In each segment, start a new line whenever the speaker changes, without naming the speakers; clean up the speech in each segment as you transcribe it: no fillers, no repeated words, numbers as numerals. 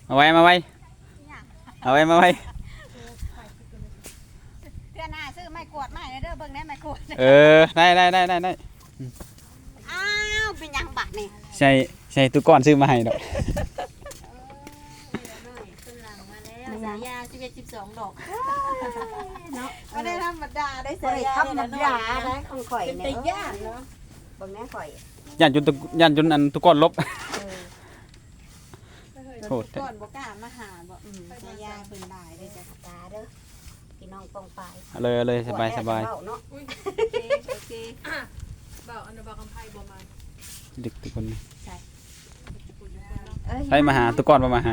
เอาไว้เอาไว้
เพื่อนหน้าซื้อไม้กวาดไม้เด้อเบิ่งแน่ไม้กวาด
ได้
อ้าวเป็นยังบัดนี่
ใช่ตุก้อนซื้อมาให้ดอก
ขึ้นหลังมาแล้วสายยา11 12 ดอก
เนาะบ่ได้ธรรมดาได้
บ่ได้ธรรมดาได้ของข่อย
เป็น
เนี่ย
ตาย่านเนาะเบิ่งแน่ข่อย
ย่านจนอันตุก้อนลบโหด
ก่อนบ่กล้ามาหาบ่ตายาเพิ่นได้เด้อจ้ะ
ตาเด้อพี่น้องปองปลาย
เอาเลยสบาย
เนาะ
โอเค
บ่าวอันนั้นบ่าวกำไพบ่มา
ดึกทุกคน
เอ้ย
ใช้มาหาตุก้อนมาหา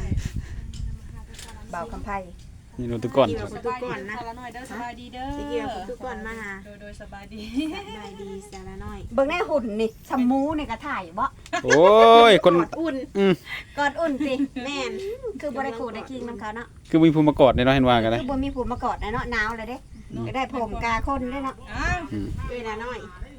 เบาคำไผ
นี่ดูตุก้อน
สบายดีนะละน้อยเด้อสบายดีเด้อ
สิเกี่ยวกับทุกคนมาหา
โดยสบายดี
สบายดีสาระน้อย
เบิ่งแน่หุ่นนี่ชะมูนี่ก็ถ่ายบ่
โอ้ยคน
กอดอุ่น
อืม
กอดอุ่นสิแม่นคือบ่ได้ขู่ได้คิงนำเขาเนาะ
คือมีภูมิมากอดในเนาะเห็นว่ากันเลย
คือบ่มีผู้มากอดนะเนาะหนาวเลยเด้ก็ได้ผมกาคนด้วยเนาะ
อ้าว
เวลาน้อย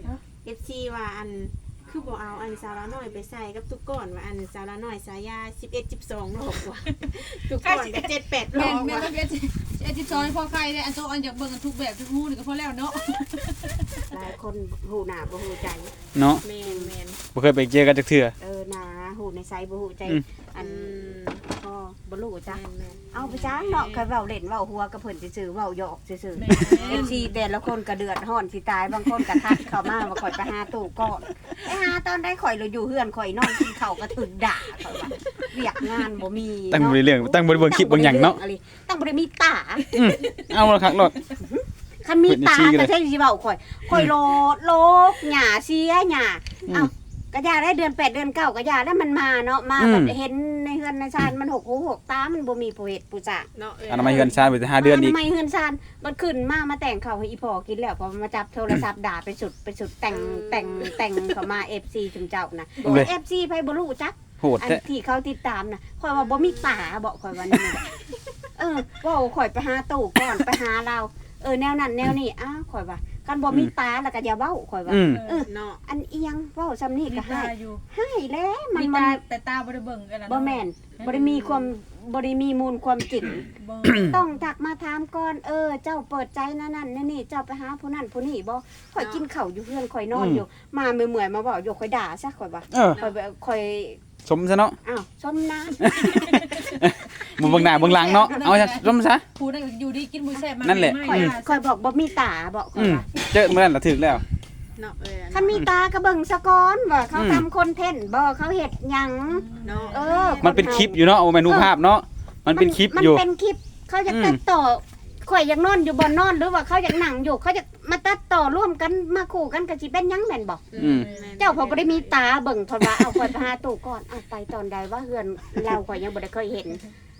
FC ว่าอันคือบ่เอาอันสาระน้อยไปใส่กับทุกก้อนว่าอันสาระน้อยสายา11 12ดอกกว่าทุกก้อนก็7 8ด
แม่
อน ก
แม่
ว่า
ก็เอ็ด12พอใครได้อันโตอันอยากเบิ่งกันทุกแบบทุกฮู้นี่ก็พอแล้วเนาะ
หลายคนหูหน้าบ่หูใจ
เนาะ
แม่น
บ่เคยไปเจอกันจักเทื่อ
หน้าหูในไซบ่หูใจ
อืม
อันก็บ่รู้จ้ะ
แม่น
เอาไปจ้างเนาะเคยเว้าเล่นเว้าหัวกับเพิ่นซื่อๆเว้าหยอกซื่อๆ FC แต่ละคนก็เดือดร้อนสิตายบางคนก็ทักเข้ามาว่าข่อยไปหาตู้ก่อนไปหาตอนได้ข่อยเราอยู่เฮือนข่อยนอนกินข้าวก็ถึกด่าข่อยว่าเรียกงานบ่มี
ตั้งบ่ได้เรื่องตั้งบ่ได้เบิ่งคลิปเบิ่งหยังเนาะ
ตั้งบ่ได้มีตา
เอาละครับรถ
คันมีตา
เพิ่นนี่ชี้กันเลย
ก็ใช่สิเว้าข่อยโลกหญ้าเสียหญ้าเอ้าก็ยาได้เดือน8เดือน9ก็ยาแล้วมันมาเนาะมาแบบเห็นในเฮือนในชานมันหกหูหกตามันบ่มีผู้เฮ็ดผู้จ้า
เนาะ
อันนั้นมาเฮือนชาติไป5เดือนอีก
ทำไมเฮือนชานมันขึ้นมาแต่งข้าวให้อีพ่อกินแล้วพอมาจับโทรศัพท์ด่าไปสุดแต่งเข้ามา FC จุมเจ้านะ FC ไผบ่รู้จัก
โหด
อัน
แท้
ที่เขาติดตามนะข่อยว่าบ่มีตาบอกข่อยว่านี่ว่าข่อยไปหาตู่ก่อนไปหาเราแนวนั้นแนวนี้อ้าวข่อยว่าคันบ่มีตาแล้วก็อย่าเว้าข่อยว่า
เนาะ
อันเอียงเว้าซำนี้
มี
ก็ให้
ตาอยู่
ให้แล้วมัน
มี
มั
ตาน แต่ตาบ่ได้เบิ่งกันนะ
บ่แม่นบ่ได้มีความบ่ได้มีมูลความจริง
เบิ่ง
ต้องทักมาถามก่อนเจ้าเปิดใจนั่นนี่เจ้าไปหาผู้นั้นผู้นี้บ่ข่อยกินข้าวอยู่เฮือนข่อยนอนอยู่มาเมื่อยๆมาเว้าอยู่ข่อยด่าซะข่อยว่าข่อย
สมซะเนาะ
อ้าวชมนะ
บ่เบิ่งหน้าเบิ่งหลังเนาะเอาซะสมซะ
ผู้นั้นก็อยู่ดีกินมื้อแซ่บมา
นั่นแหละ
ข่อยบอกบ่มีตาบอกข่อยว่า
เจอเมื่อนั้นละถึกแล้ว
เนาะ
คันมีตากระเบิ่งสะก้อนว่าเขาทำคอนเทนต์บ่เขาเฮ็ดหยัง
เนาะ
มันเป็นคลิปอยู่เนาะโอ้แม่นรูปภาพเนาะมันเป็นคลิปอยู่
มันเป็นคลิปเขาจะตัดต่อข่อยอยากนอนอยู่บ่นอนหรือว่าเขาอยากนั่งอยู่เขาจะมาตัดต่อร่วมกันมาคู่กันก็สิเป็นหยังแม่นบ่เจ้าพอบ่ได้มีตาเบิ่งเพิ่นว่าเอาข่อยไปหาตู่ก่อนเอาไปตอนใดว่าเฮือนเราข่อยยังบ่ได้เคยเห็น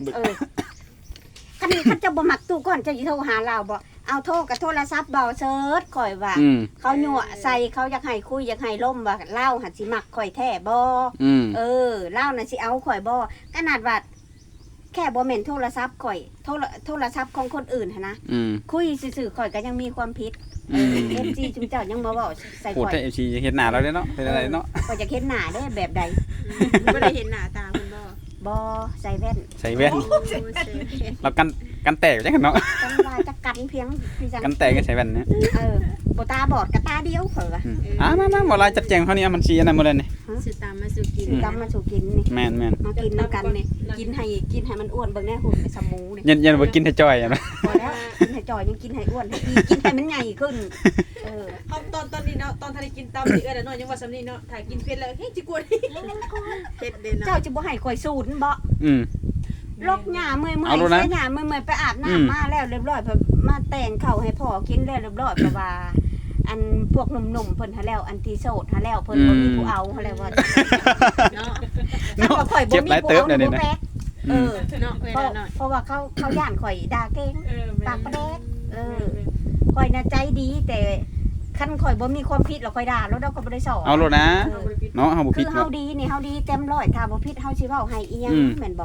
คันจะบ่มักตู่ก่อนจะสิโทรหาเราบ่เอาโทรกับโทรศัพท์เบาเซิร์ชข่อยว่า เขายั่วใส่เขาอยากให้คุยอยากให้ล่มว่าเล่าหันสิมักข่อยแท้บ่เล่าน่ะสิเอาข่อยบ่ขนาดว่าแค่บ่แม่นโทรศัพท์ข่อยโทรศัพท์ของคนอื่นหันนะคุยซื่อๆข่อยก็ยังมีความผิดFG จุมเจ้ายังมาเว้าใส่
โหด
ข่อย
แท้ FC เฮ็ดหน้าเราเด้เนาะเป็นอะไรเนาะ
ข่อยจะเห็นหน้าได้แบบใด
บ่ได้เห็นหน้าตาคุณบ่
บ่ใส่แว่น
ใส่แว่นเรากันแตกจังกันเนาะ
จังว่าจะกันเพียงพี่จัง
กันแตกก็ใส่แว่นเนี่ย
บ่ตาบอดก็ตาเดียวข่อยว่า
มาบ่ลายจัดแจงเฮานี่มันสิอันนั้นหมดเลยนี่
สิตามมาสู่กิน
กำมาสู่กินนี่
แม่น
มากินนำกันนี่กินให้มันอ้วนเบิ่งแน่หุ่นในสมูนี่
ยันบ่กินให้จ้อยอ่ะนะ
พอแล้วกินให้จอยยังกินให้อ้วนให้ดีกินให้มันใหญ่ขึ้น
เอาตอนนี้เนาะตอนทันได้กินตำนี่น้อยยังว่าซำนี้เนาะถ้ากินเผ็ดแล้วเฮ้ยจิกวน
เฮ็ดเด้เนาะ
เจ้าจะบ่ให้ข่อยสูตรบ่ ลกหญ้าเมื่อยๆ
เอาแล้วนะ
เสียหญ้าเมื่อยๆไปอาบน้ำมาแล้วเรียบร้อยเพิ่นมาแต่งข้าวให้พ่อกินแล้วเรียบร้อยเพราะว่าอันพวกหนุ่มๆเพิ่นหาแล้วอันที่โสดหาแล้วเพิ่นบ่มีผู้เอาหาแล้วว่า
เนาะ
ถ้าว่าข่อยบ่
เจ็บ
มี
หลาย
ผู้
เติบ
เอา
เนี่ย
บ่
นะ
แป๊ก
เนาะเวลาน้อย
เพราะว่าเขาย่านข่อยด่าเก่งปากประแดกข่อยน่ะใจดีแต่คันข่อยบ่มีความผิดแล้วข่อยด่าแล้วเราก็บ่ได้สอน
เอาโลดนะเนาะเฮาบ่
คื
ผิด
อ
เนาะ
เฮาดีนี่เฮาดีเต็มร้อยถ้าบ่ผิดเฮาสิเว้าให้อีหยังแม่นบ่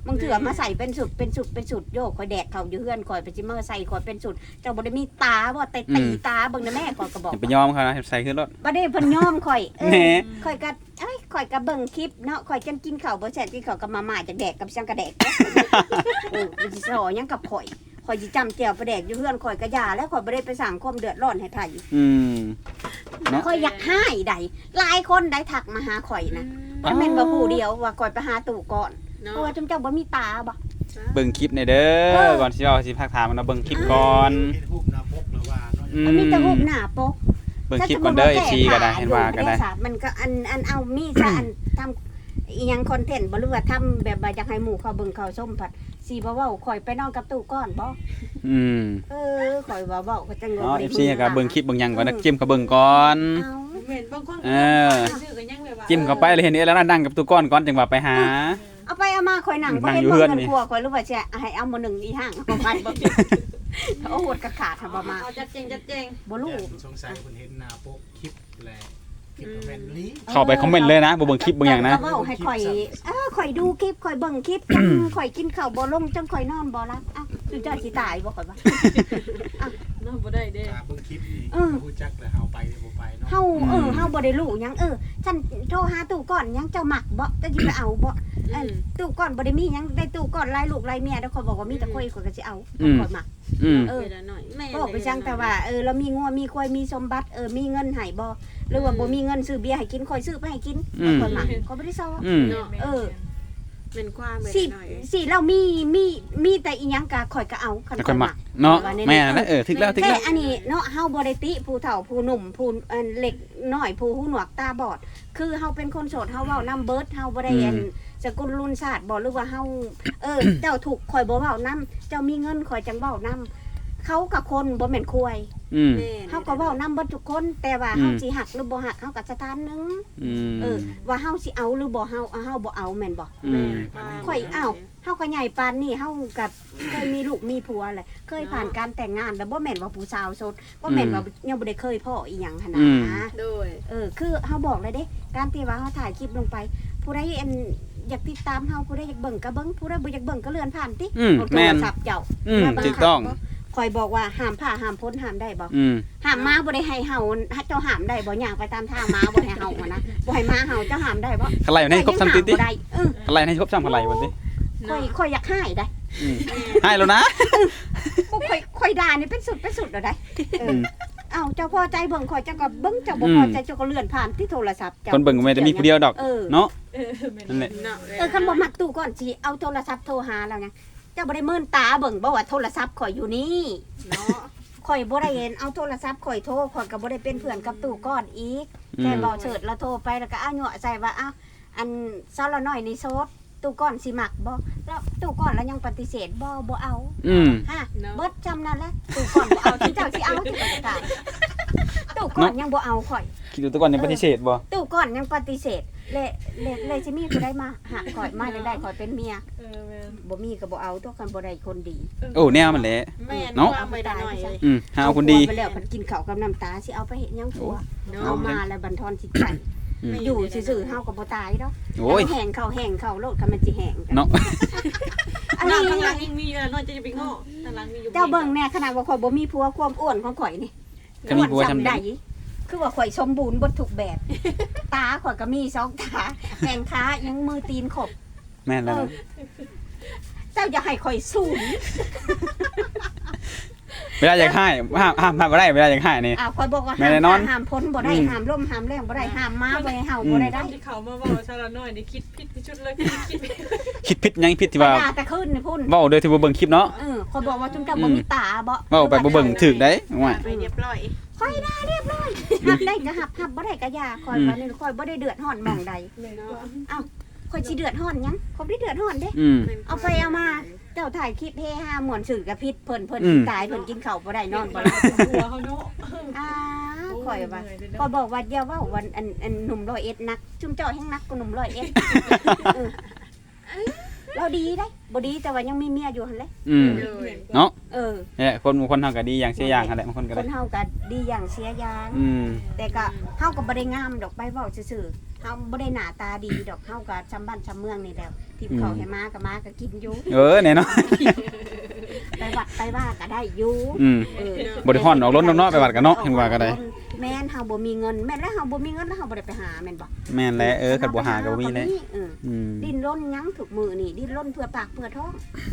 บางเถื่อมาใส่เป็นสุดโยกข่อยแดกเขาอยู่เฮือนข่อยไปจิเมอร์ใส่ข่อยเป็นสุดเจ้าบ่ได้มีตาบ่แต่ตีตาเบิ่งนะแม่ข่อยก็บอก
อย่าไปยอมเขานะใส่ขึ้นรถ
บ่ได้เพิ่นยอมข่อย
แหน่
ข่อยก็เบิ่งคลิปเนาะข่อยจังกินข้าวบ่แซ่บกินข้าวกับมาม่าจักแดกกับช่างกระแดกมันสิสอหยังกับข่อยสิจำแจ่วประแดกอยู่เฮือนข่อยก็ย่าแล้วข่อยบ่ได้ไปสร้างความเดือดร้อนให้ไผ
เนาะ
ข่อยอยากให้ใดหลายคนได้ทักมาหาข่อยนะบ่แม่นบ่ผู้เดียวว่าข่อยไปหาตู่ก่อน
เนาะ
เพราะว่าจุมเจ้าบ่มีตาบ่
เบิ่งคลิปในเด้อก่อนสิเอาสิพักถามมันเบิ่งคลิปก่อน
เฮ็ดรูปหน้าปกแล้วว่าเนาะ
มันมีแต่รูปหน้าปก
เบิ่งคลิปก่อนเด้อ FC ก็ได้เห็นว่าก็ได้
มันก็อันเอามีซะอันทำอีหยังคอนเทนต์บ่หรือว่าทำแบบว่าอยากให้หมู่เขาเบิ่งเขาชมผัดสิบ่เว้าข่อยไปนอนกับตู่ก่อนบ่ข่อยว่าเว้าก็จัง
เนาะ FC ก็เบิ่งคลิปเบิ่งหยังก่อนนะจิ้มก็เบิ่งก่อน
เอา
เหม็นบางคน
เออ
ชื่อกันยังแบบว่า
จิ้มเข้าไปเลยเห็นนี่แล้วนั่งกับตู้ก้อนก่อนจังว่าไปหา
เอาไปเอามาข่อยหนังบ่
นั่ง
เห็น
อยู่
บ่
เฮือน
เงิน
นี่
ครัวข่อยรู้ว่าสิให้เอามื้อหนึงอีห่างเอาไปบ่โอ้โหดกระขาดทำบ่มา
เอาจัดเจง
บ่รู้
สงสัยคนเห็นหน้าปกคลิปแลคลิปแม่นลี
เข้าไปคอมเมนต์เลยนะบ่เบิ่งคลิปเบิ่งหยังนะ
ก็เว้าให้ข่อยข่อยดูคลิปข่อยเบิ่งคลิปจังข่อยกินข้าวบ่ลงจังข่อยนอนบ่หลับอ้าวสุดยอดสิตายบ่ข่อยว่า
ๆเนาะบ่ได้เด้
ตาเบิ่งคลิปนี่รู้จักแล้วเฮาไปบ่ไปเนาะ
เฮาบ่ได้รู้หยังฉันโทรหาตู่ก่อนหยังเจ้ามักบ่จะสิไปเอาบ่ตู่ก่อนบ่ได้มีหยังได้ตู่ก่อนหลายลูกหลายเมียแล้วข่อยบอกว่ามีแต่ข่อยก็สิเอาข่อยมัก
เออหน่อยแม่
บอกไปจังแต่ว่าเรามีงัวมีควายมีสมบัติมีเงินให้บ่หรือว่าบ่มีเงินซื้อเบียร์ให้กินข่อยซื้อไปให้กินข่อยมักข่อยบ่ได้ซอ
เนาะเป็นความแบบหน่อย
สิเรามีแต่อีหยังก็ข่อยก็เอาคัน
แล้ว
ข่
ค่
อ
อย ย
มั
มั
ก
กเนาะแม่นะถึกแล้ว
แต่อันนี้เนาะเฮาบ่ได้ติผู้เฒ่าผู้หนุ่มผู้เล็กน้อยผู้หูหนวกตาบอด คือเฮาเป็นคนโสดเฮาเว้านำเบิดเฮาบ่ได้สกุลรุ่นศาสตร์บ่หรือว่าเฮาเจ้าถูกข่อยบ่เว้านำเจ้ามีเงินข่อยจังเว้านำเขากับคนบ่แม่นควาย เฮาก็เว้านำเบิดทุกคนแต่ว่าเฮาสิหักหรือบ่หักเฮาก็สถานหนึงว่าเฮาสิเอาหรือบ่เฮาบ่เอาแม่นบ่ข่อยเอาเฮาก็ใหญ่ปานนี้เฮาก็เคยมีลูกมีผัวแหละเคยผ่านการแต่งงานแล้วบ่แม่นว่าผู้สาวโสดบ่แม่นว่ายังบ่ได้เคยพ่ออีหยังหั่นนะ
โดย
คือเฮาบอกเลยเด้การที่ว่าเฮาถ่ายคลิปลงไปผู้ใดอยากติดตามเฮาผู้ใดอยากเบิ่งก็เบิ่งผู้ใดบ่อยากเบิ่งก็เลื่อนผ่านติ
แม่น
โทรศัพท์เจ้า
ถูกต้อง
ข่อยบอกว่าห้ามผ่าห้ามพ้นห้ามได้บ่ห้ามมาบ่ได้ให้เฮาเจ้าห้ามได้บ่ย่างไปตามทางมาบ่ให้เฮาอะนะบ่ให้มาเฮาเจ้าห้ามได้บ่
กะไรให้ครบ3ติติ
บ่ได้
กะไรให้ครบ3กะไรบ่ติ
ข่อยอยากให้ได้
ให้แล้วนะ
ข่อยด่านี่เป็นสุดแล้วได้เอ้าเจ้าพอใจเบิ่งข่อยเจ้าก็เบิ่งเจ้าบ่พอใจเจ้าก็เลื่อนผ่านที่โทรศัพท์เจ้า
คนเบิ่งก็ไม่ได้มีผู้เดียวดอกเนาะ
นั่นแหละ
เนาะ
คันบ่มักตู้ก่อนสิเอาโทรศัพท์โทรหาแล้วไงเจ้าบ่ได้เมินตาเบิ่งบ่ว่าโทรศัพท์ข่อยอยู่นี่
เนาะ
ข่อยบ่ได้เห็นเอาโทรศัพท์ข่อยโทรข่อยก็บ่ได้เป็นเพื่อนกับตู้ก่อนอีกแค่บ่เฉิดแล้วโทรไปแล้วก็อ้าวยั่วใส่ว่าอ้าวอันซาละน้อยนี่โซดตู้ก่อนสิมักบ่แล้วตู้ก่อนแล้วยังปฏิเสธบ่เอาฮะเบิดจำนั่นแหละตู้ก่อนบ่เอาที่เจ้าสิเอาที่ข่อยจะตายตู้ก่อนยังบ่เอาข่อย
คิดดูตัวก่อนยังปฏิเสธบ่
ตู้ก่อนยังปฏิเสธเลยสิมีผู้ใดมาหาข่อยมาได้ข่อยเป็นเมีย
แม่น
บ่มีก็บ่เอาตัวกันบ่ได้คนดี
โอ้แนวมันแหละ
แม่ความไปหน่อยเลย
หาคนดี
ไปแล้วพันกินข้าวกับน้ำตาสิเอาไปเฮ็ดหยังผัว
เนาะ
เอามาแล้วบันทอนจิตใจอยู่ซื่อๆเฮาก็บ่ตายดอก
โอ้ย
แห้งเข้าโลดก็มันสิแห้ง
เนาะ
อัน
หน้า
นี้
ข้างหลังยังมีอยู่น้อยจะไปง้อข้างหลังมีอยู่
เจ้าเบิ่งแน่ขนาดว่าข่อยบ่มีผัวความอ้วนของข่อยนี่
ก็มีผัวทำได้
คือว่าข่อยสมบูรณ์เบ่ทุกแบบ ตาข่อยก็มี2ตาแข้งขายังมือตีนครบ
แม่นแล้วนะ
เจ้าอย่าให้ข่อยสูง
เวลาอยากให้ห้ามบ่ได้เวลาอยากให้นี่
ข่อยบอกว่า
แม่แน่นอน
ห้ามพ้นบ่ได้ห้ามล่มห้ามแรงบ่ได้ห้ามมาบ่ให้เห่าบ่ได้
ต
ได้
อนที่เขามาว่าชาละน้อยนี่คิดผิดที่ชุดเลยคิด
คิดผิดยังผิดที่ว่า
ด่าแต่ขึ้นนี่พุ่น
เว้าโดยที่บ่เบิ่งคลิปเนาะ
ข่อยบอกว่าจุ่มเจ้าบ่มีตาบ่
เว้าไปบ่เบิ่งถูกได้ว่า
ไปเรียบร้อย
ข่อยได้เรียบร้อยหับได้ก็หับบ่ได้ก็อย่าข่อยว่านี่ข่อยบ่ได้เดือดร้อนหม่องใด
เลยเนาะ
ข่อยสิเดือดร้อนหยังข่อยบ่ได้เดือดร้อนเด้ เอาไปเอามาเจ้าถ่ายคลิปเฮฮาม่วนสื่อกับพิษเพิ่นสิตายเพิ่นกินข้าวบ่ได้นอนบ่หลับ
หัวเขาเนาะ
ข่อยว่าก็บอกว่าอย่าเว้าวันอันหนุ่ม101นักจุ่มเจ้าแห่งนักกว่าหนุ่ม101เราดีได้บ่ดีแต่ว่ายังมีเมียอยู่หั่นแหละ
เนาะ
เนี่ย
คนเฮาก็ดีอย่างเสียอย่างหั่นแหละบางคนก็
ค
ได้
นเฮาก็ดีอย่างเสียอย่าง
อืม
แต่ก็เฮาก็บ่ได้งามดอกไปเว้าซื่อเฮาบ่ได้หน้าตาดีดอกเฮาก็ชำบ้านชำเมืองนี่แหล้วทิพเขาให้มาก็กินอยู่
แน่เนาะ
ไปวัดไปว่าก็ได้อยู่ เออ
บ่ได้ฮ้อนออกรถเนาะไปวัดกันเนาะเห็นว่าก็ได้
แม่นเฮาบ่มีเงินแม่นแล้วเฮาบ่มีเงินแล้วเฮาบ่ได้ไปหาแม่นบ่
แม่นแล้วคันบ่หาก็บ่มีแล้ว
ดิ้นรนหยังถูกมือนี่ดิ้นรนเพื่อปากเพื่อท้อง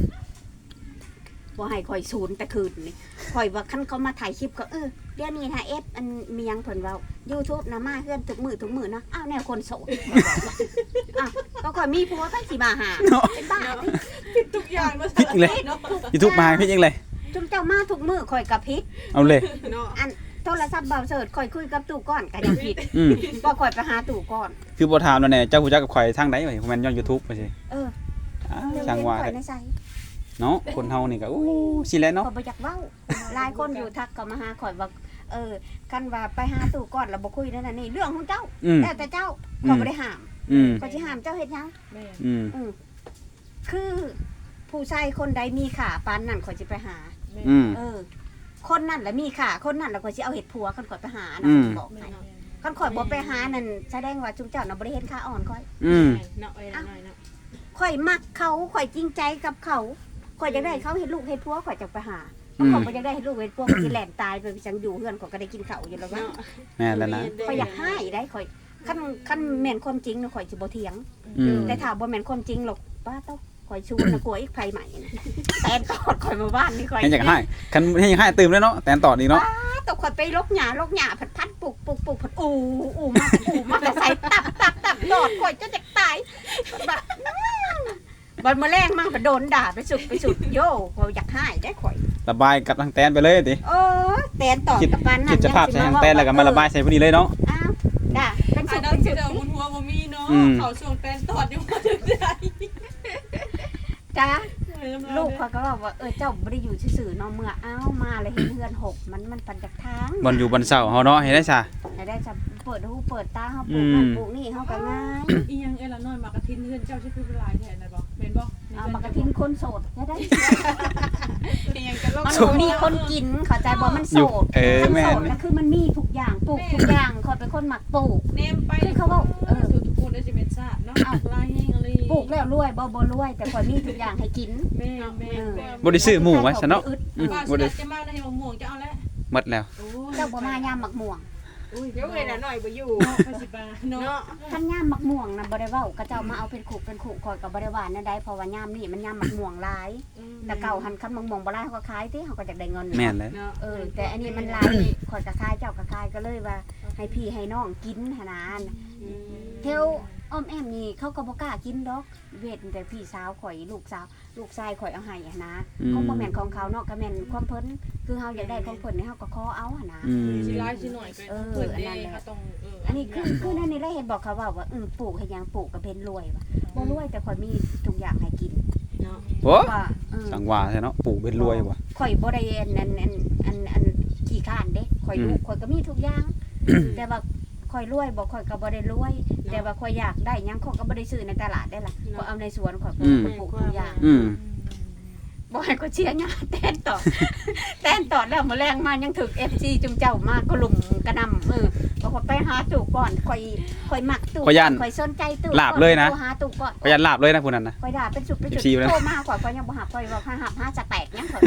บ่ให้ข่อยศูนย์แต่คืนนี่ข่อยว่าคันเขามาถ่ายคลิปก็เดี๋ยวนี้ถ้าเอฟอันมีหยังเพิ่นเว้า YouTube นะมาเฮือนทุกมื้อเนาะอ้าวแนวคนโสดอ้าวก็ข่อยมีผัวไปสิมาหาเป็นบ้าติ
ผิดทุกอย่างเนาะ
ผิดอีกเลย อีทุกมาพี่จังเลย
จุมเจ้ามาทุกมื้อข่อยก็ผิด
เอาเลย
เนาะ
อันโทรศัพท์เบาเสิร์ชข่อยคุยกับตู่ก่อนก็ยังผิด
อืม
บ่ข่อยไปหาตู่ก่อน
คือบ่ถามแล้วแน่เจ้าฮู้จักกับข่อยทางใดวะผมแม่นย้อน YouTube ไปสิ
เออ
ช่างว่า
ข่
เด้
อยในใจ
เนาะคนเฮานี่ก็สิแหละเนาะ
ข่อยบ่อยากเว้าหลายคนอยู่ทักก็มาหาข่อยว่าคันว่าไปหาตู่ก่อนแล้วบ่คุยนั่นน่ะนี่เรื่องของเจ้า
อืม
แล้วแต่เจ้าข่อยบ่ได้ห้าม
อืม
ข่อยสิห้ามเจ้าเฮ็ดหยัง
แม่
อืม
คือผู้ชายคนใดมีค่าปานนั้นข่อยสิไปหา
อืม
คนนั้นแหละมีค่าคนนั้นแล้วข่อยสิเอาเฮ็ดผัวคันข่อยไปหานะ
อืม
บอกให้คันข่อยบ่ไปหานั่นแสดงว่าจุมเจ้าน่ะบ่ได้เห็นค่าอ่อนข่อย
อืม
เนาะละน้อยเนาะ
ข่อยมักเขาข่อยจริงใจกับเขาข่อยอยากได้เขาเฮ็ดลูกเฮ็ดผัวข่อยจะไปหา
อืม
ข่อยบ่อยากได้เฮ็ดลูกเฮ็ดผัวข่อยสิแล่นตายไปจังอยู่เฮือนข่อยก็ได้กินข้าวอยู่แล้วว่า
แม่นแล้วนะ
ข่อยอยากให้ได้ข่อยคันแม่นความจริงน่ะข่อยสิบ่เถียง
อืม
แต่ถ้าบ่แม่นความจริงหรอกป้าต้องข่อยชูนะกลัวอีกไผใหม่นะแต่ตอดข่อยมาบ้านนี่ข่อย
ให้อยากให้คันให้อยากให้ตื่มแล้วเนาะแต่ต่ออีกเนาะ
ตกข่อยไปลกหญ้าพัดปลูกพัดอูมาแต่ใส่ตับตอดข่อยจะจะตายแบบบัดมาแรงมั่งก็โดนด่าไปสุดโย่ข่อยอยากให้ได้ข่อย
ระบายกับทางแตนไปเลยติ
แตนตอดกับปานนั้น
คิดสภาพใส่ทางแตนแล้วก็มาระบายใส่ผู้นี้เลยเนาะ
อ้าวด่าเป็น
อั
สุ
น
ด
นั้น
เป็น
คื
สุ
อ
ด
เดี๋ยวหัวบ่มีเนาะ
อืม
เขาช่วงแตนตอดอยู่บ่ถึงได้
จ้าลูกเขาก็บอกว่าเจ้าบ่ได้อยู่ซื่อๆเนาะเมื่ออ้าวมาแล้วเห็นเฮือนหกมันปันจากทาง
บนอยู่บนเสาเฮาเนาะเฮ็ดได้ซะ
ให้ได้จะเปิดหูเปิดตาเฮาปลูกนั่นปลูกนี่เฮาก็ง่าย
อีหยังละน้อยมากระทินเฮือนเจ้าสิคือเป็นหลายแท้น่ะบ่แม่นบ่
เอามากระทินคนโสดจะได้
อีหยังกัน
มันบ่มีคนกินเข้าใจบ่มันโสด มัน
แม่
โส
น
ดแล้วคือมันมีทุกอย่างปลูกทุกอย่างคอยเป็นคนหมักปลูก
เนมไปทุกคนได้สิเป็นซาดเนาะลายแห้งอะไร
ปลูกแล้วรวยบ่รวย แต่คอยมีทุกอย่างให้กิน
แม่แม่
บ่ได้ซื้อหมูไว้ซะเนาะ
ว่า
บ่
สิ
ได้
จะมาในมะม่วงจะเอาแล้ว
หมดแล้ว
โอ้
เจ้าบ่มายามหมักม่วง
เดี๋ยวเวลาหน่อยบ่อยู่
ภาษีบาเนาะ
เนาะ
คันยามหมักม่วงน่ะบ่ได้เว้าก็เจ้ามาเอาเป็นขู่คอยก็บ่ได้ว่านั่นได้เพราะว่ายามนี่มันยามหมักม่วงหลายแต่เก่าหันคันหมักม่วงบ่หลายเขาก็ขายติเขาก็อยากได้เงิน
แม่นแล้ว
เนาะ
แต่อันนี้มันหลายคอยก็ขายเจ้าก็ขายก็เลยว่าให้พี่ให้น้องกินหั่นน่ะเทวอ้อมแอมนี่เขาก็บ่กล้ากินดอกเวทแต่พี่สาวข่อยลูกชายข่อยเอาให้หั่นนะ ของบ่แม่นของเขาเนาะก็แม่นความเพิ่นคือเฮาอยากได้ของเพิ่นนี่เฮาก็ขอเอาหั่นนะ
สิร้ายสิหน่อยไปเพิ่นเด้เขาต้อง
อันนี้คือนั่นนี่ได้เห็นบอกเขาว่าปลูกให้หยังปลูกก็เป็นรวยว่ะบ่รวยแต่ข่อยมีทุกอย่างให้กิน
เนาะ
โอ้
ว่า
สังว่าใช่เนาะปลูกเป็นรวยว่ะ
ข่อยบ่ได้อันขี้ข้านเด้ข่อยลูกข่อยก็มีทุกอย่าง แต่ว่าข่อยรวยบ่ข่อยก็บ่ได้รวย แต่ว่าข่อยอยากได้หยังข่อยก็บ่ได้ซื้อในตลาดได้ล่ะข่อยเอาในสวนข่อยก็ปลูกทุกอย่าง
อืม
บ่ให้ก็เชียร์หญ้าแตนต่อ แตนต่อแล้วมื้อแรงมายังถึก FC จุมเจ้ามาก็ลุ่มกระนำบอกว่าไปหาตู่ก่อนข่อยมักตู่ข่อยสนใจตู่หาตู่ก่อน
ประหยัดลาบเลยนะผู้นั้นนะ
ข่อยด่าเป็นจุดโทรมาข่อยยังบ่หับข่อยว่าหาจะแตกยังข่อย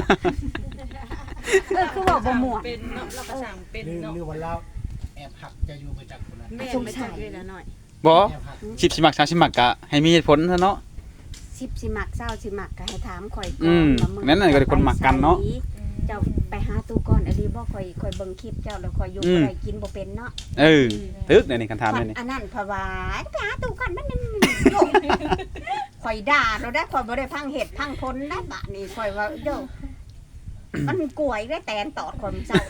คือว่าบ่ม่วง
เป็นเนาะเราก็สั่งเป็นเนาะ
หรือว่าเราแอบหักจะอยู่ไปจากคนนั้น
แม่ไม่จับเวลาหน่อย
บ่
แอบหัก
10สิมัก30สิมักก็ให้มีเหตุผลซะเนาะ
10สิมัก20สิมักก็ให้ถามข่อยก่
อื
อน
มนั่นน่ะก็คนมักกันเนาะ
เจ้าไปหาตู่ก่อนอันนี้บ่ข่อยเบิ่งคลิปเจ้าแล้วข่อยอยู่บ่ได้กินบ่เป็นเนาะ
ตึกนี่คันถามนี่
อันนั้นเพราะว่าไปหาตู่ก่อนมันข่อยด่าเราได้ข่อยบ่ได้พังเหตุพังผลได้บะนี่ข่อยว่าโยมันกล้วยได้แตนตอดคนเจ้า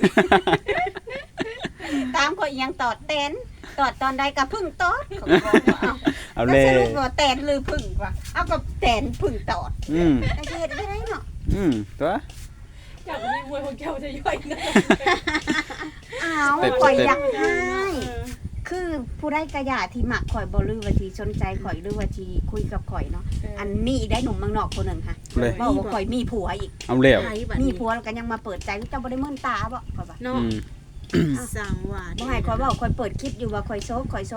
ตามข่อยยังตอดแตนตอดตอนใดก็พึ่งตอดเขาบอกว่า
เอา
เอาแล้
เล
วย สรุปว่าแตนหรือพึ่งวะเอากับแตนพึ่งตอด
อืม
ไอ้เฮ็ดได้เนาะ
ตัว
จากนี้มวยของแก้วจะย่อยนะ
อ้าวข่อยอยากให้คือผู้ใดกระยาที่มักข่อยบ่ลือว่าที่สนใจข่อยหรือว่าที่คุยกับข่อยเนาะอันมีได้หนุ่มเมืองนอกคนหนึงค่ะ
เลย
บอกว่าข่อยมีผัวอีก
เอาแล้ว
ไผบัด
มี
นี้
ผัวแล้วก็ยังมาเปิดใจเจ้าบ่ได้มื่นตาบ่ข่อยว่า
เนาะสั่งว่า
บ่ให้ข่อยเว้าข่อยเปิดคลิปอยู่ว่าข่อยโซด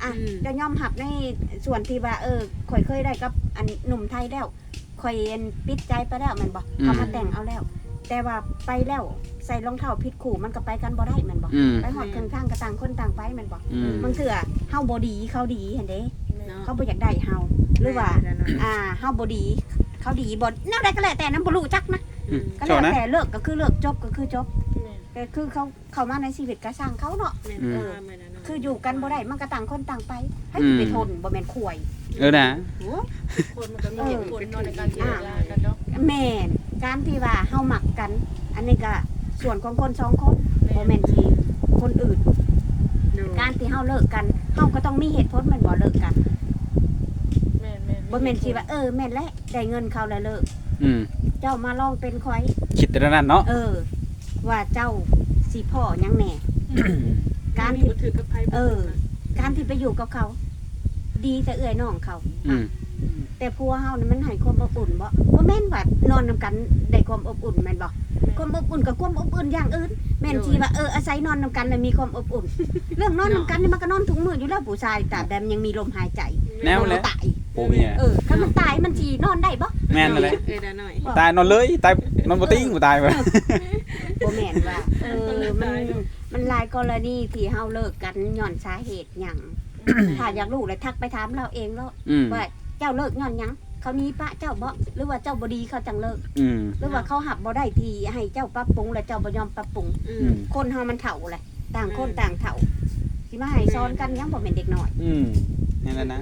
อ่ะจะยอมรับในส่วนที่ว่าข่อยเคยได้กับอันหนุ่มไทยแล้วข่อยปิดใจไปแล้วแม่นบ่เขามาแต่งเอาแล้ว แต่ว่าไปแล้วใส่รองเท้าผิดคู่มันก็ไปกันบ่ได้แม่นบ่ไปฮอดครึ่งทางก็ต่างคนต่างไปแม่นบ่บางเทื่อเฮาบ่ดีเขาดีเห็นเด้เขาบ่อยากได้เฮาหรือว่าเฮาบ่ดีเขาดีบ่แนวใดก็แล้วแต่นั้นบ่รู้จักนะก็แล้วแต่เลิกก็คือเลิกจบก็คือจบแต่คือเขามาในชีวิตก็สร้างเขาเนาะคืออยู่กันบ่ได้มันก็ต่างคนต่างไปให้ไปทนบ่แม่นข่วย
นะ
คนมันก็มีเหตุผลเนาะในการเจรจากันเนาะ
แม่นการที่ว่าเฮาหมักกัน อันนี้ก็ส่วนของคนสองคนบ่แม่นที่คนอื่นการที่เฮาเลิกกันเฮาก็ต้องมีเหตุผลแม่นบ่เลิกกันบ่แม่นสิว่าแม่นแล้วได้เงินเขาแล้วเลิกเจ้ามาลองเป็นข่อย
คิดแต่นั้นเนาะ
ว่าเจ้าสิพ่อยังแหน่การที่
ถือกับไผ
การที่ไปอยู่กับเขา ดีแต่เอื้อยน้องเขาแต่ผัวเฮานี่มันให้ความอบอุ่นบ่แม่นว่านอนนำกันได้ความอบอุ่นแม่นบ่ความอบอุ่นกับความอบอุ่นอย่างอื่นแม่นที่ว่าอาศัยนอนนำกันแล้วมีความอบอุ่นเรื่องนอนนำกันนี่มันก็นอนทุกมื้ออยู่แล้วผู้ชายตราบใดมันยังมีลมหายใจ
แนวเลย
ตาย
โอ้เมีย
ถ้ามันตายมันสินอนได้บ่
แม่นเลย
หน่อย
ตายนอนเลยตายนอนบ่ติ้งบ่ตายบ่
บ่แม่นว่ามันหลายกรณีที่เฮาเลิกกันย้อนสาเหตุหยังถ้าอยากรู้เลยทักไปถามเราเองแล้วว่าเจ้าเลิกย้อนหยังเขามีปะเจ้าบ่หรือว่าเจ้าบ่ดีเขาจังเลิกหรือว่าเขาหับบ่ได้ที่ให้เจ้าปรับปรุงแล้วเจ้าบ่ยอมปรับปรุงคนเฮามันเฒ่าแหละต่างคนต่างเฒ่าสิมาให้ซ้อนกันยังบ่แม่นเด็กน้อย
นั่นแหละนะ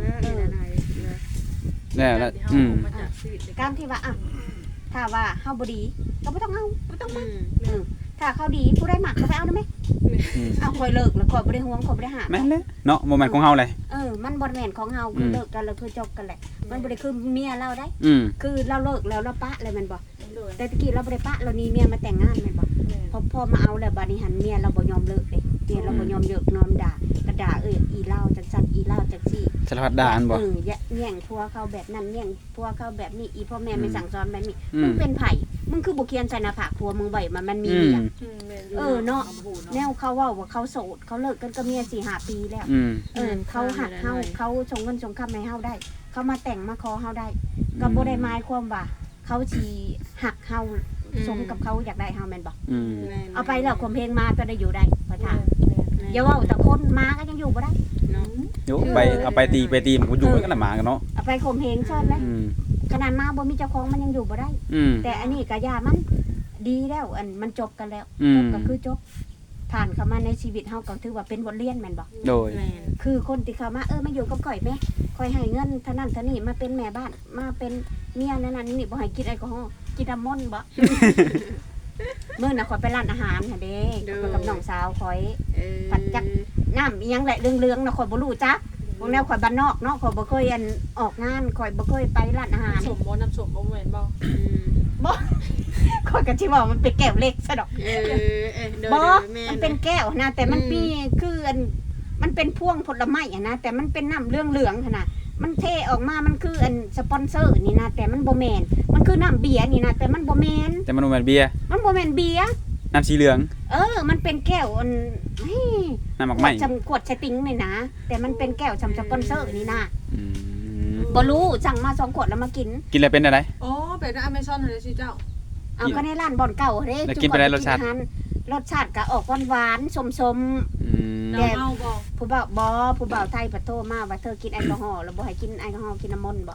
แล้ว
การที่ว่าถ้าว่าเฮาบ่ดีก็บ่ต้องเอาบ่ต้องมาถ้าเขาดีผู้ใดมักก็ไปเอาได้มั้ยเอาข่อยเลิกแล้วข่อยบ่ได้ห่วงข่อยบ่ได้หา
แม่นเลยเนาะบ่แม่นของเฮาเลย
มันบ่แม่นของเฮาคือเลิกกันแล้วคือจบกันแหละมันบ่ได้คือเมียเราได้คือเราเลิกแล้วเราปะเลยมันบ่แต่ตะกี้เราบ่ได้ปะเรานี่เมียมาแต่งงานแม่นบ่พอมาเอาแล้วบัดนี้หันเมียเราบ่ยอมเลิกเด้เมียเราบ่ยอมเลิกยอมด่าก็ด่าอีเล่าจังซั่นอีเล่าจังซี่
สารพัดด่าอันบ่
แย่งผัวเขาแบบนั้นแย่งผัวเขาแบบนี้อีพ่อแม่ไม่สั่งสอนแบบนี้มึงเป็นไผมึงคือบ่เขียนใส่หน้าผากผัวมึงไว้มันมีเมียเนาะแนวเขาว่าเขาโสดเขาเลิกกันก็เมีย 4-5 ปีแล้วเขาหักเฮาเขาส่งเงินส่งคำให้เฮาได้เขามาแต่งมาขอเฮาได้ก็บ่ได้หมายความว่าเขาสิหักเฮาสมกับเขาอยากได้เฮาแม่นบ่เอาไปแล้วข่มเพลงมาจะได้อยู่ได้ขอถามอย่าว่าแต่คนมาก็ยังอยู่บ่ได้
เนาะ
อยู่ไปเอาไปตีมันก็อยู่กันละหมากันเนาะ
เอาไปข่มเพลงซ่อนแล้วขนาดมาบ่มีเจ้าของมันยังอยู่บ่ได้แต่อันนี้ก็ย่ามันดีแล้วมันจบกันแล้วจบก็คือจบผ่านเข้ามาในชีวิตเฮาก็ถือว่าเป็นบทเรียนแม่นบ่
โดย
คือคนที่เข้ามามาอยู่กับข่อยแม่ข่อยให้เงินเท่านั้นเท่านี้มาเป็นแม่บ้านมาเป็นเมียนั่นนี่บ่ให้กินแอลกอฮอล์กินน้ำมนต์บ่มื้อน่ะข่อยไปร้านอาหารน่ะเด้กับน้องสาวข่อยปัดจักน้ำอีหยังแหละเรื่องๆน่ะข่อยบ่รู้จักพวกแนวข่อยบ้านนอกเนาะข่อยบ่เคยออกงานข่อยบ่เคยไปร้านอาหาร
น้ำส้มบ่แม่นบ่
บ่ข่อยก็สิว่ามันเป็นแก้วเล็กซะดอกบ่มันเป็นแก้วนะแต่มันมีคือมันเป็นพวงผลไม้นะแต่มันเป็นน้ำเหลืองๆหั่นน่ะมันเทออกมามันคือสปอนเซอร์นี่นะแต่มันบ่แม่นมันคือน้ำเบียร์นี่นะแต่มันบ่แม่น
แต่มันบ่แม่นเบียร์
มันบ่แม่นเบียร์
น้ำสีเหลือง
มันเป็นแก้ว
น้ำหมักไหม้
ขวดสติงนี่นะแต่มันเป็นแก้วสปอนเซอร์นี่นะบ่รู้สั่งมา2ขวดแล้วมากิน
แล้วเป็นอะไร
อ๋อเป็นอเมซอนเด้สิเจ้า
เอาก็ในร้านบ่อนเก่าเด้
กินไปได้รสชา
ติก็ออกหวานๆส้มๆ
แต่
ผู้บ่าวไทยปะโทมาว่าเธอกินแอลกอฮอล์แล้วบ่ให้กินแอลกอฮอล์กินน้ำมนต์บ่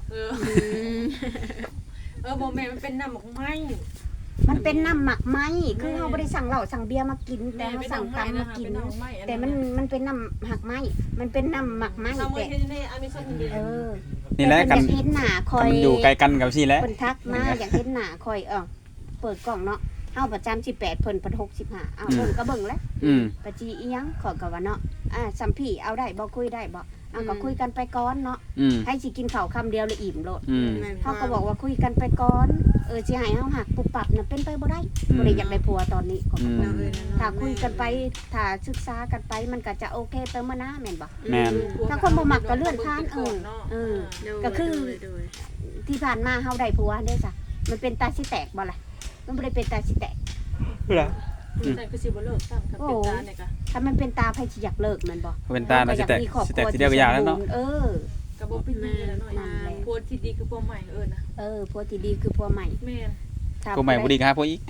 บ่แม่มันเป็นน้ำหมักไหม้
มันเป็นน้ำหมักไหม้คือเฮาบ่ได้สั่งเหล้าสั่งเบียร์มากินแต่เฮาสั่งตำมากินแต่มันเป็นน้ำหมักไหม้มันเป็นน้ำหมักไหม้แต่
นี่แหละกัน
เห็นหน้าคอย
อยู่ไกลกันกับซี่แหละ
เพิ่นทักมาอยากเห็นหน้าคอยเปิดกล่องเนาะเฮาประจำ18เพิ่น65เบิ่งก็เบิ่งแล้วปะจีอีหยังขอก็ว่าเนาะสัมพี่เอาได้บ่คุยได้บ่ก็คุยกันไปก่อนเนาะให้สิกินข้าวคำเดียวเลยอิ่มโลดเฮาก็บอกว่าคุยกันไปก่อนสิให้เฮาหักปุบปับน่ะเป็นไปบ่ได้บ่ได้อยากได้ผัวตอนนี้ก็ถ้าคุยกันไปถ้าศึกษากันไปมันก็จะโอเคเติมมานะแม่นบ่
แม่น
ถ้าคนบ่มักก็เลื่อนผ่านก็คือที่ผ่านมาเฮาได้ผัวเด้จ้ะมันเป็นตาสิแตกบ่ล่ะมันบ่ได้เป็นตาสิแตก
แต่คือสิบ่เลิกซ้ํกับเป็นตาเนี่ยก็
ถ้ามันเป็นตาไผสิอยากเลิกแม่นบ่
เป็นตาน่ะสิแตก
มีครอบ
สิ
ค
แต
รั
ก
ว
ทีเดียวก็ยาวแล้วเนาะ
เออ
ก็บ่เป็นหยังแล้วน้อยผัวที่ดีคือผัวใหม่นะ
ผัวที่ดีคือผัวใหม่
แม่น
ถ้า
ผู้ใหม่บ่ดีก็หาผู้อีก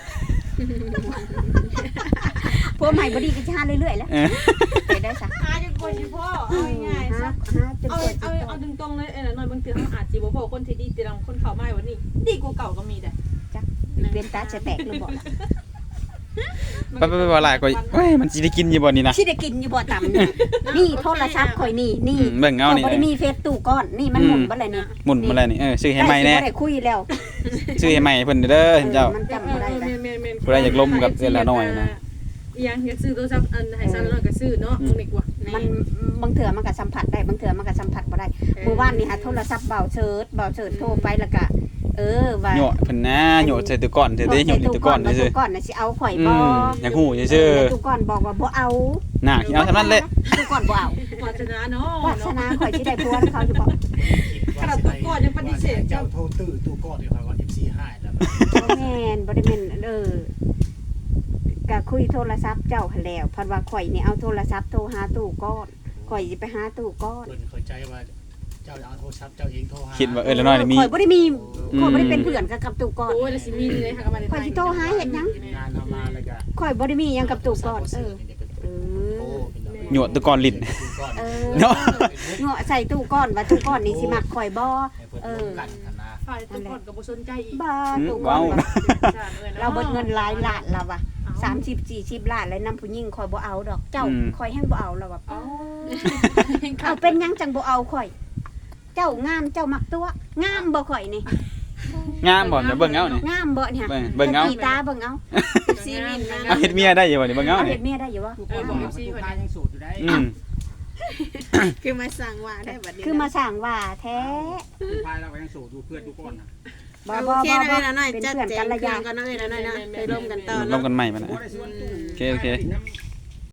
ผัวใหม่บ่ดีก็จะหาเรื่อยๆแล้ว
เออ
ไปได้ซะ
หาจนกว่าสิพ่อเอาง่ายๆซะ
หาจน
เอา
กว่า
เอา
สิ
เอาตรงๆเลยน้อยบางเทื่อเฮาอาจสิบ่พอคนที่ดีแต่เราคนเข้ามาวันนี้ดีกว่าเก่าก็มีได้
เป็นตาจะแตกหรือบ่ล่ะ
ไปบ่หลายก็เฮ้ยมันสิได้กินอยู่บ่นี่นะ
สิได้กินอยู่บ่ต่ำนี่นี่โทรศัพท์ข่อยนี่
เบิ่งเอานี่
บ่ได้มีเฟซตู้ก้อนนี่มันหมุนบ่เลยนี่
หมุนมาแล้วนี่ซื้อให้ใหม่แน่
บ่ได้คุยแล้ว
ซื้อให้ใหม่เพิ่นเด้อเจ้า
มันจำบ่ได้แล้ว
แม่น
ผู้ใดอยากล้มกับเอื้อนละน้อยนะ
อีหยังอยากซื้อโทรศัพท์อันให้ซะน้อยก็ซื้อเนาะตรงนี้กว่า
มันบางเถื่อมันก็สัมผัสได้บางเถื่อมันก็สัมผัสบ่ได้เมื่อวานนี่หาโทรศัพท์เบาเชิดโทรไปแล้วก็ว่า
โยเพิ่นนะโยใส่ตัวก่อนเด้โยตัวก่อนซื่อ
ตู้ก่อนน่ะสิเอาข่อยบ่
อยากฮู้ซื่อ
ตู้ก่อนบอกว่าบ่เอา
ๆน่ากินเอาซะนั้นแหละ
ตู้ก่อนบ่เอา
วาสนาเนาะ
วาสนาข่อยสิได้ผัวเขาอยู่บ่
ขนาดตัวก่อนยังปฏิเสธ
เจ้าโทรตื้อตู้ก้อนอยู่ครับว่า FC ให้แล้ว
บ่แม่นบ่ได้แม่นก็คุยโทรศัพท์เจ้าหั่นแล้วเพิ่นว่าข่อยนี่เอาโทรศัพท์โทรหาตู้ก่อนข่อยสิไปหาตู้ก่อน
เพิ่นเข้าใจว่าเจ้าเอาโทรศัพท์เจ้าเองโทรหา
คิดว่าละน้อยนี่มี
ข่อยบ่ได้มีข่อยบ่ได้เป็นเพื่อนกับตู้ก่อน
โอ้ยแล้วสิมีเลยค่ะกับมัน
ข่อยสิโทรหาเฮ็ดหยัง
งานทำมาแล้วก็
ข่อยบ่ได้มีหยังกับตู้ก่อนเออ
โยตัวก่อนลิ้น
เออ
เนาะ
เงาะใส่ตู้ก้อนว่าตู้ก้อนนี่สิมักข่อยบ่
กันนะ
ฝ่ายตัวก่อนก็บ่สนใจอีก
บ้าตู้ก้อ
ว้าน ว
ว่าเราเบิดเงินหลายล้านแล้วว่ะ30 40ล้านแล้วนำผู้หญิงข่อยบ่เอาดอกเจ้าข่อยแฮงบ่เอาแล้วว่ะเอาเป็นหยังจังบ่เอาข่อย เจ้างามเจ้ามักตัวงามบ่ข่อยนี่
งามบ่จะเบิ่งเอานี่
งามบ่เนี่ย
เบิ่งเอา
ตีตาเบิ่งเอา
ซีมินนะ
เอาเฮ็ดเมียได้อยู่บ่นี่เบิ่งเอา
เอา
นี่
เฮ็ดเมียได้อยู่บ่
ทุกคนบอก FC เพิ่นยังสูตรอยู่ได้
คือมาสั่งว่าได้บัดนี้
คือมาสร้างว่าแท้
พายเราก็ยังสูตรดูเพื่อนทุกคนนะ
บ่
โอ
บ่
เค
บ่
นะ
บ่
เอ้ยนะน้อย
เป็น
จัด
เพื่อน
แจ
กั
ง
นระ
เครื่
ยะ
องกันนะเอ้ยนะน้อยนะไปร่วมกันต่อ
ร่ว
เนาะ
มกันใหม่มานะ
บ่ได้ส่วนตู้
โอเค